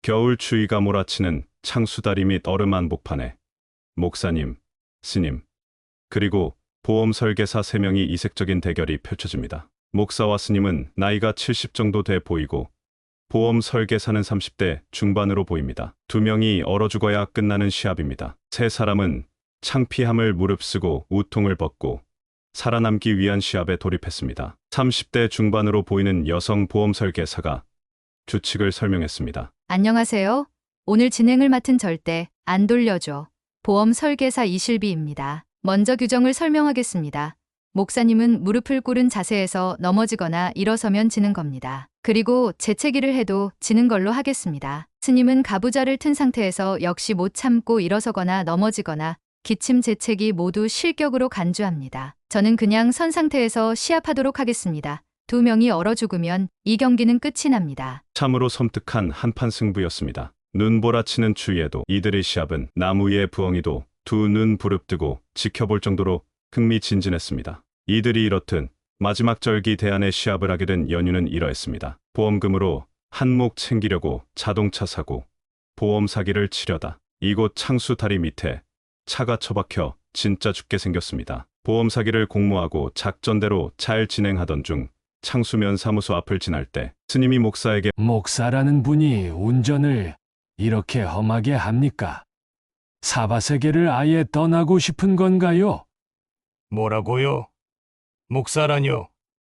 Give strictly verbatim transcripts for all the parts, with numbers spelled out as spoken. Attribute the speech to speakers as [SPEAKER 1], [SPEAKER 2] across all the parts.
[SPEAKER 1] 겨울 추위가 몰아치는 창수다리 및 얼음 한복판에 목사님, 스님, 그리고 보험 설계사 세 명이 이색적인 대결이 펼쳐집니다. 목사와 스님은 나이가 칠십 정도 돼 보이고 보험 설계사는 삼십 대 중반으로 보입니다. 두 명이 얼어 죽어야 끝나는 시합입니다. 세 사람은 창피함을 무릅쓰고 우통을 벗고 살아남기 위한 시합에 돌입했습니다. 삼십 대 중반으로 보이는 여성 보험 설계사가 규칙을 설명했습니다.
[SPEAKER 2] 안녕하세요. 오늘 진행을 맡은 절대 안 돌려줘. 보험 설계사 이실비입니다. 먼저 규정을 설명하겠습니다. 목사님은 무릎을 꿇은 자세에서 넘어지거나 일어서면 지는 겁니다. 그리고 재채기를 해도 지는 걸로 하겠습니다. 스님은 가부좌를 튼 상태에서 역시 못 참고 일어서거나 넘어지거나 기침 재채기 모두 실격으로 간주합니다. 저는 그냥 선 상태에서 시합하도록 하겠습니다. 두 명이 얼어 죽으면 이 경기는 끝이 납니다.
[SPEAKER 1] 참으로 섬뜩한 한판 승부였습니다. 눈보라치는 추위에도 이들의 시합은 나무 위의 부엉이도 두 눈 부릅뜨고 지켜볼 정도로 흥미진진했습니다. 이들이 이렇듯 마지막 절기 대안의 시합을 하게 된 연유는 이러했습니다. 보험금으로 한몫 챙기려고 자동차 사고 보험 사기를 치려다 이곳 창수 다리 밑에 차가 처박혀 진짜 죽게 생겼습니다. 보험 사기를 공모하고 작전대로 잘 진행하던 중 창수면 사무소 앞을 지날 때 스님이 목사에게
[SPEAKER 3] 목사라는 분이 운전을 이렇게 험하게 합니까? 사바세계를 아예 떠나고 싶은 건가요?
[SPEAKER 4] 뭐라고요? 목사라뇨?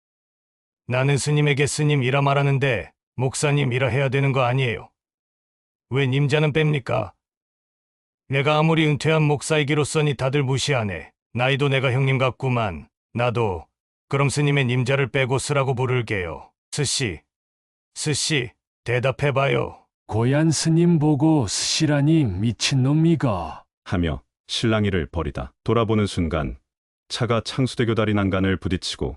[SPEAKER 4] 나는 스님에게 스님이라 말하는데 목사님이라 해야 되는 거 아니에요. 왜 님자는 뺍니까? 내가 아무리 은퇴한 목사이기로서니 다들 무시하네. 나이도 내가 형님 같구만. 나도 그럼 스님의 님자를 빼고 스라고 부를게요. 스씨, 스씨, 대답해봐요.
[SPEAKER 3] 고얀 스님 보고 스시라니 미친놈이가.
[SPEAKER 1] 하며 실랑이를 벌이다 돌아보는 순간 차가 창수대교 다리 난간을 부딪히고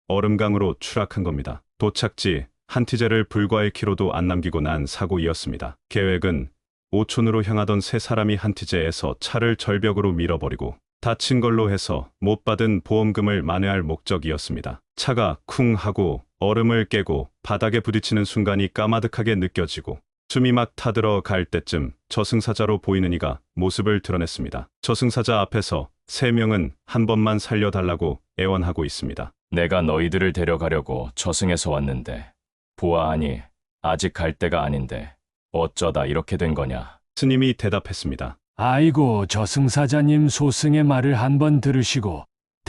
[SPEAKER 1] 얼음강으로 추락한 겁니다. 도착지 한티제를 불과 일 킬로미터도 안 남기고 난 사고이었습니다. 계획은 오촌으로 향하던 세 사람이 한티제에서 차를 절벽으로 밀어버리고 다친 걸로 해서 못 받은 보험금을 만회할 목적이었습니다. 차가 쿵 하고 얼음을 깨고 바닥에 부딪히는 순간이 까마득하게 느껴지고 숨이 막 타들어 갈 때쯤 저승사자로 보이는 이가 모습을 드러냈습니다. 저승사자 앞에서 세 명은 한 번만 살려달라고 애원하고 있습니다.
[SPEAKER 5] 내가 너희들을 데려가려고 저승에서 왔는데 보아하니 아직 갈 때가 아닌데 어쩌다 이렇게 된 거냐.
[SPEAKER 1] 스님이 대답했습니다.
[SPEAKER 3] 아이고 저승사자님 소승의 말을 한번 들으시고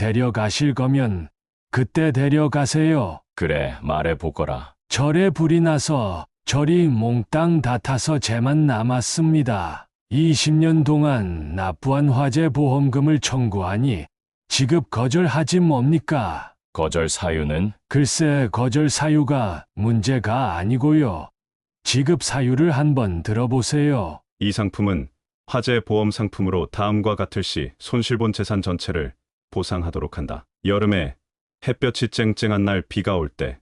[SPEAKER 3] 데려가실 거면 그때 데려가세요.
[SPEAKER 5] 그래 말해보거라.
[SPEAKER 3] 절에 불이 나서 절이 몽땅 다 타서 재만 남았습니다. 이십 년 동안 납부한 화재 보험금을 청구하니 지급 거절하지 뭡니까?
[SPEAKER 5] 거절 사유는?
[SPEAKER 3] 글쎄 거절 사유가 문제가 아니고요. 지급 사유를 한번 들어보세요.
[SPEAKER 1] 이 상품은 화재 보험 상품으로 다음과 같을 시 손실본 재산 전체를 보상하도록 한다. 여름에 햇볕이 쨍쨍한 날 비가 올 때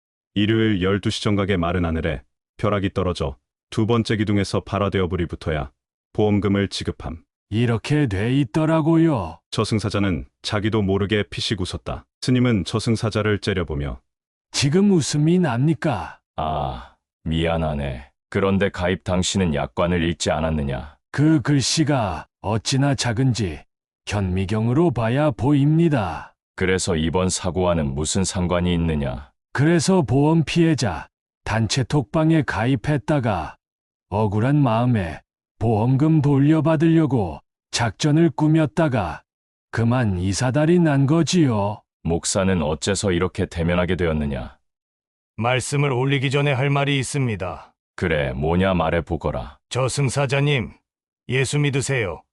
[SPEAKER 1] 일요일 열두 시 정각에 마른 하늘에 벼락이 떨어져 두 번째 기둥에서 발화되어 불이 붙어야 보험금을 지급함.
[SPEAKER 3] 이렇게 돼 있더라고요.
[SPEAKER 1] 저승사자는 자기도 모르게 피식 웃었다. 스님은 저승사자를 째려보며
[SPEAKER 3] 지금 웃음이 납니까?
[SPEAKER 5] 아, 미안하네. 그런데 가입 당신은 약관을 읽지 않았느냐?
[SPEAKER 3] 그 글씨가 어찌나 작은지 현미경으로 봐야 보입니다.
[SPEAKER 5] 그래서 이번 사고와는 무슨 상관이 있느냐?
[SPEAKER 3] 그래서 보험 피해자 단체 톡방에 가입했다가 억울한 마음에 보험금 돌려받으려고 작전을 꾸몄다가 그만 이사달이 난 거지요.
[SPEAKER 5] 목사는 어째서 이렇게 대면하게 되었느냐?
[SPEAKER 4] 말씀을 올리기 전에 할 말이 있습니다.
[SPEAKER 5] 그래 뭐냐 말해보거라.
[SPEAKER 4] 저승사자님, 예수 믿으세요.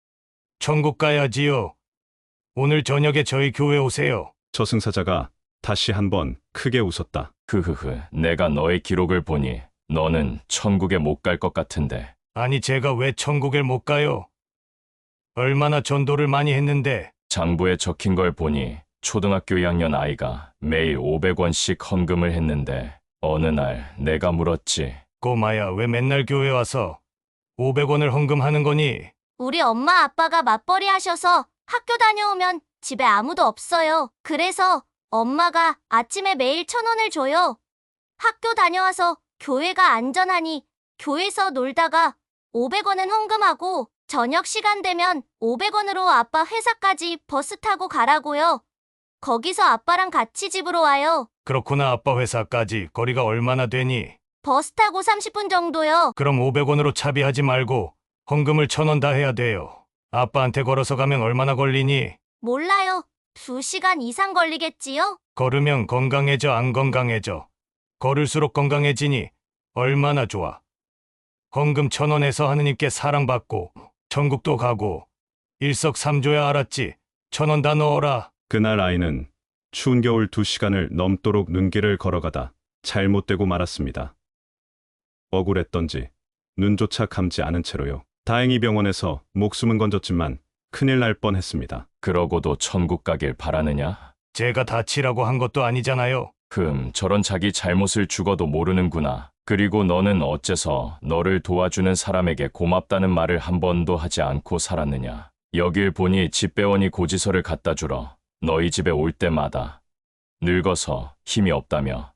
[SPEAKER 4] 천국 가야지요. 오늘 저녁에 저희 교회 오세요.
[SPEAKER 1] 저승사자가 다시 한번 크게 웃었다.
[SPEAKER 5] 흐흐흐, 내가 너의 기록을 보니 너는 천국에 못 갈 것 같은데.
[SPEAKER 4] 아니 제가 왜 천국에 못 가요? 얼마나 전도를 많이 했는데.
[SPEAKER 5] 장부에 적힌 걸 보니 초등학교 이 학년 아이가 매일 오백 원씩 헌금을 했는데 어느 날 내가 물었지.
[SPEAKER 4] 꼬마야 왜 맨날 교회 와서 오백 원을 헌금하는 거니?
[SPEAKER 6] 우리 엄마 아빠가 맞벌이 하셔서 학교 다녀오면 집에 아무도 없어요. 그래서 엄마가 아침에 매일 천 원을 줘요. 학교 다녀와서 교회가 안전하니 교회에서 놀다가 오백 원은 헌금하고 저녁 시간 되면 오백 원으로 아빠 회사까지 버스 타고 가라고요. 거기서 아빠랑 같이 집으로 와요.
[SPEAKER 4] 그렇구나. 아빠 회사까지 거리가 얼마나 되니?
[SPEAKER 6] 버스 타고 삼십 분 정도요.
[SPEAKER 4] 그럼 오백 원으로 차비하지 말고 헌금을 천 원 다 해야 돼요. 아빠한테 걸어서 가면 얼마나 걸리니?
[SPEAKER 6] 몰라요. 두 시간 이상 걸리겠지요?
[SPEAKER 4] 걸으면 건강해져, 안 건강해져? 걸을수록 건강해지니 얼마나 좋아. 헌금 천 원에서 하느님께 사랑받고 천국도 가고 일석삼조야. 알았지? 천 원 다 넣어라.
[SPEAKER 1] 그날 아이는 추운 겨울 두 시간을 넘도록 눈길을 걸어가다 잘못되고 말았습니다. 억울했던지 눈조차 감지 않은 채로요. 다행히 병원에서 목숨은 건졌지만 큰일 날 뻔했습니다.
[SPEAKER 5] 그러고도 천국 가길 바라느냐?
[SPEAKER 4] 제가 다치라고 한 것도 아니잖아요.
[SPEAKER 5] 흠, 저런 자기 잘못을 죽어도 모르는구나. 그리고 너는 어째서 너를 도와주는 사람에게 고맙다는 말을 한 번도 하지 않고 살았느냐? 여길 보니 집배원이 고지서를 갖다 주러 너희 집에 올 때마다 늙어서 힘이 없다며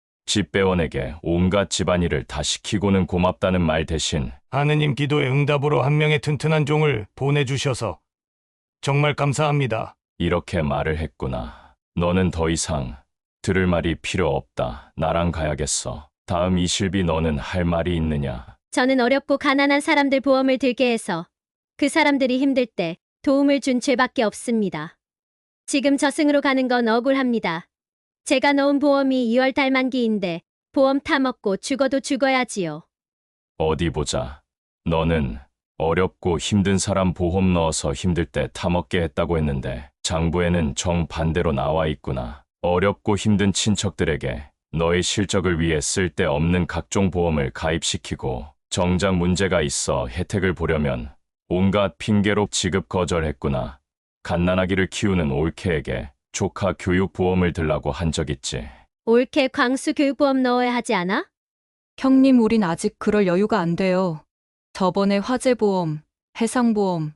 [SPEAKER 5] 집배원에게 온갖 집안일을 다 시키고는 고맙다는 말 대신
[SPEAKER 4] 하느님 기도의 응답으로 한 명의 튼튼한 종을 보내주셔서 정말 감사합니다.
[SPEAKER 5] 이렇게 말을 했구나. 너는 더 이상 들을 말이 필요 없다. 나랑 가야겠어. 다음 이실비, 너는 할 말이 있느냐?
[SPEAKER 7] 저는 어렵고 가난한 사람들 보험을 들게 해서 그 사람들이 힘들 때 도움을 준 죄밖에 없습니다. 지금 저승으로 가는 건 억울합니다. 제가 넣은 보험이 이월 달 만기인데 보험 타먹고 죽어도 죽어야지요.
[SPEAKER 5] 어디 보자. 너는 어렵고 힘든 사람 보험 넣어서 힘들 때 타먹게 했다고 했는데 장부에는 정반대로 나와 있구나. 어렵고 힘든 친척들에게 너의 실적을 위해 쓸데없는 각종 보험을 가입시키고 정작 문제가 있어 혜택을 보려면 온갖 핑계로 지급 거절했구나. 갓난아기를 키우는 올케에게 조카 교육보험을 들라고 한 적 있지.
[SPEAKER 7] 올케 광수 교육보험 넣어야 하지 않아?
[SPEAKER 8] 형님, 우린 아직 그럴 여유가 안 돼요. 저번에 화재보험, 해상보험,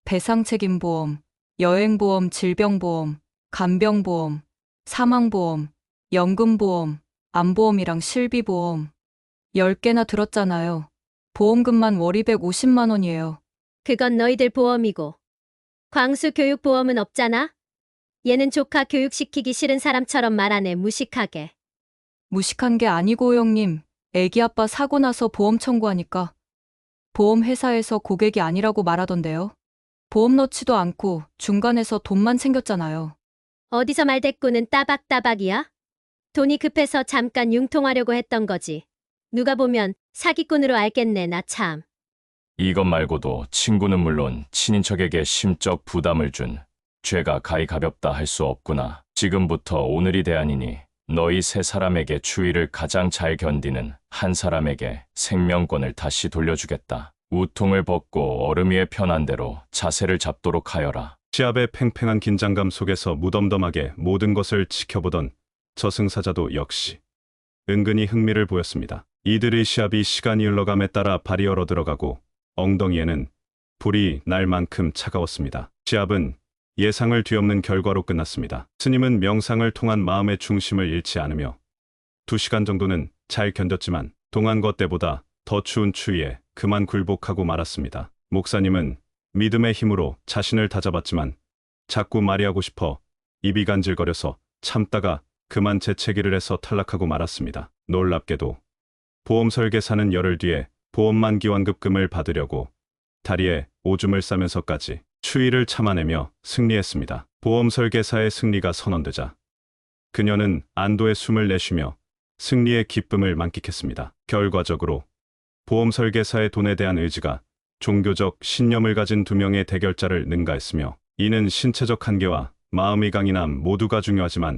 [SPEAKER 8] 배상책임보험, 여행보험, 질병보험, 간병보험, 사망보험, 연금보험, 암보험이랑 실비보험 열 개나 들었잖아요. 보험금만 월 이백오십만 원이에요.
[SPEAKER 7] 그건 너희들 보험이고 광수 교육보험은 없잖아? 얘는 조카 교육시키기 싫은 사람처럼 말하네, 무식하게.
[SPEAKER 8] 무식한 게 아니고 형님, 애기 아빠 사고 나서 보험 청구하니까 보험회사에서 고객이 아니라고 말하던데요. 보험 넣지도 않고 중간에서 돈만 챙겼잖아요.
[SPEAKER 7] 어디서 말대꾸는 따박따박이야? 돈이 급해서 잠깐 융통하려고 했던 거지. 누가 보면 사기꾼으로 알겠네, 나 참.
[SPEAKER 5] 이것 말고도 친구는 물론 친인척에게 심적 부담을 준 죄가 가히 가볍다 할 수 없구나. 지금부터 오늘이 대안이니 너희 세 사람에게 추위를 가장 잘 견디는 한 사람에게 생명권을 다시 돌려주겠다. 우통을 벗고 얼음 위에 편한 대로 자세를 잡도록 하여라.
[SPEAKER 1] 시합의 팽팽한 긴장감 속에서 무덤덤하게 모든 것을 지켜보던 저승사자도 역시 은근히 흥미를 보였습니다. 이들의 시합이 시간이 흘러감에 따라 발이 얼어 들어가고 엉덩이에는 불이 날 만큼 차가웠습니다. 시합은 예상을 뒤엎는 결과로 끝났습니다. 스님은 명상을 통한 마음의 중심을 잃지 않으며 두 시간 정도는 잘 견뎠지만 동안 것 때보다 더 추운 추위에 그만 굴복하고 말았습니다. 목사님은 믿음의 힘으로 자신을 다잡았지만 자꾸 말이 하고 싶어 입이 간질거려서 참다가 그만 재채기를 해서 탈락하고 말았습니다. 놀랍게도 보험 설계사는 열흘 뒤에 보험 만기 완급금을 받으려고 다리에 오줌을 싸면서까지 추위를 참아내며 승리했습니다. 보험 설계사의 승리가 선언되자 그녀는 안도의 숨을 내쉬며 승리의 기쁨을 만끽했습니다. 결과적으로 보험 설계사의 돈에 대한 의지가 종교적 신념을 가진 두 명의 대결자를 능가했으며 이는 신체적 한계와 마음의 강인함 모두가 중요하지만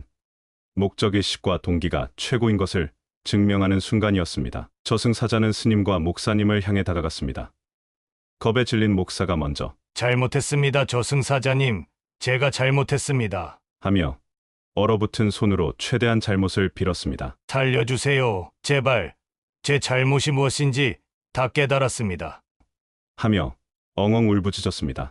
[SPEAKER 1] 목적의식과 동기가 최고인 것을 증명하는 순간이었습니다. 저승사자는 스님과 목사님을 향해 다가갔습니다. 겁에 질린 목사가 먼저
[SPEAKER 4] 잘못했습니다, 저승사자님. 제가 잘못했습니다.
[SPEAKER 1] 하며 얼어붙은 손으로 최대한 잘못을 빌었습니다.
[SPEAKER 4] 살려주세요. 제발. 제 잘못이 무엇인지 다 깨달았습니다.
[SPEAKER 1] 하며 엉엉 울부짖었습니다.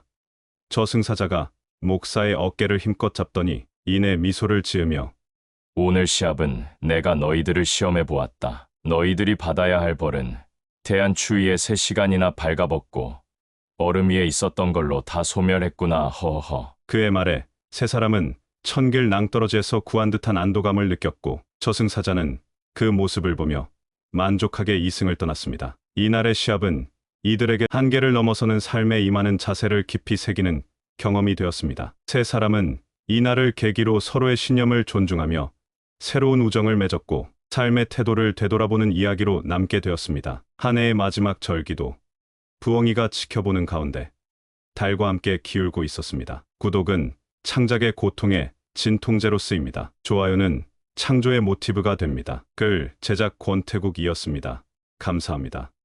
[SPEAKER 1] 저승사자가 목사의 어깨를 힘껏 잡더니 이내 미소를 지으며
[SPEAKER 5] 오늘 시합은 내가 너희들을 시험해 보았다. 너희들이 받아야 할 벌은 태안 추위에 세 시간이나 발가벗고 얼음 위에 있었던 걸로 다 소멸했구나. 허허.
[SPEAKER 1] 그의 말에 세 사람은 천길 낭떠러지에서 구한 듯한 안도감을 느꼈고 저승사자는 그 모습을 보며 만족하게 이승을 떠났습니다. 이날의 시합은 이들에게 한계를 넘어서는 삶에 임하는 자세를 깊이 새기는 경험이 되었습니다. 세 사람은 이날을 계기로 서로의 신념을 존중하며 새로운 우정을 맺었고 삶의 태도를 되돌아보는 이야기로 남게 되었습니다. 한 해의 마지막 절기도 부엉이가 지켜보는 가운데 달과 함께 기울고 있었습니다. 구독은 창작의 고통의 진통제로 쓰입니다. 좋아요는 창조의 모티브가 됩니다. 글 제작 권태국이었습니다. 감사합니다.